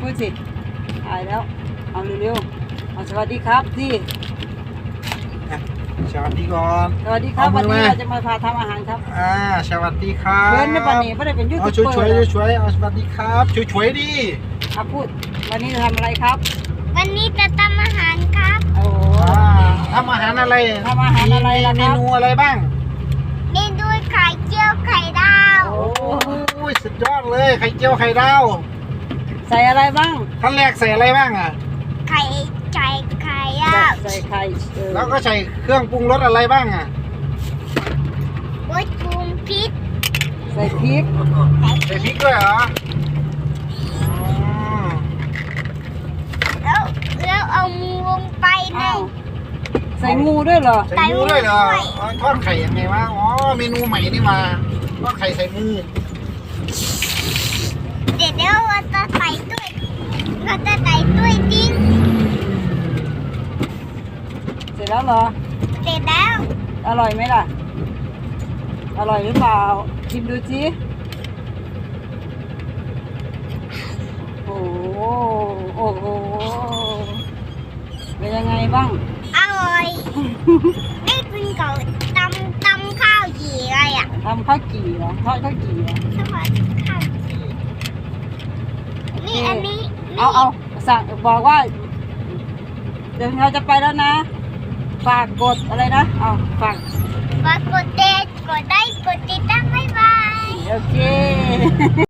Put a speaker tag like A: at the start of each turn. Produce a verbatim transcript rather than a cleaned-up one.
A: พูดสิตายแล้วเอาเร็วๆเอาสวัสดีครับสิ
B: สวัสดีก่อน
A: สวัสดีครับวันนี้เราจะมาพาทำอาหารครับ
B: อ่าสวัสดีครับ
A: เพื่อนในปันนี้ไม่ได้เป็นยูทูบ
B: เอา
A: เบอร์
B: ช่วยช่วยช่วยเอาสวัสดีครับช่วยช่วยดิ
A: เอาพูดวันนี้จะทำอะไรครับ
C: วันนี้จะทำอาหารครับ
A: โอ้
B: อ่าทำอาหารอะไร
A: ทำอาหารอะไรล่ะครับ
B: มีเมนูอะไรบ้าง
C: เมนูไข่เจียวไข่ดาว
B: โอ้ยสุดยอดเลยไข่เจียวไข่ดาว
A: ใส่อะไรบ้าง
B: ขั้นแรกใส่อะไรบ้างอ่ะ
C: ไข่ไก่ไข่อ่ะ
A: ใส่ไข่เออ
B: แล้วก็ใส่เครื่องปรุงรสอะไรบ้างอ่ะ
C: วัตถุพริก
A: ใส่พริก
B: ใส่พริกด้วยเหรออ๋อ
C: แล้วแล้วเอามือลงไปใน
A: อ้าวใส่งูด้วยเหรอ
B: ใส่งูด้วยเหรออ๋อทอดไข่ยังไงวะอ๋อเมนูใหม่นี่มาทอดไข่ใส่งู
C: เดี๋ยวเดี๋ยวเราจะใส่ด้วยเราจะใส่ด้วยดิ้ง
A: เสร็จแล้วเหรอ
C: เสร็จแล้ว
A: อร่อยไหมล่ะ อร่อยหรือเปล่าชิมดูสิโอ้โหโอ้โหเป็นยังไงบ้าง
C: อร่อยได้คุณเขาตำตำข้าวจี่อะไรอ่ะ
A: ทำข้าวกี่เหรอทอดข้าวกี่เหรอ
C: สวัสดีข้าวจี่นี่อันนี้
A: เอาเอาสั่งบอกว่า เดี๋ยวเราจะไปแล้วนะ ฝากกดอะไรนะ เอาฝาก
C: ฝากกดเดทกดได้กดติดตามบ๊ายบาย
A: โอเค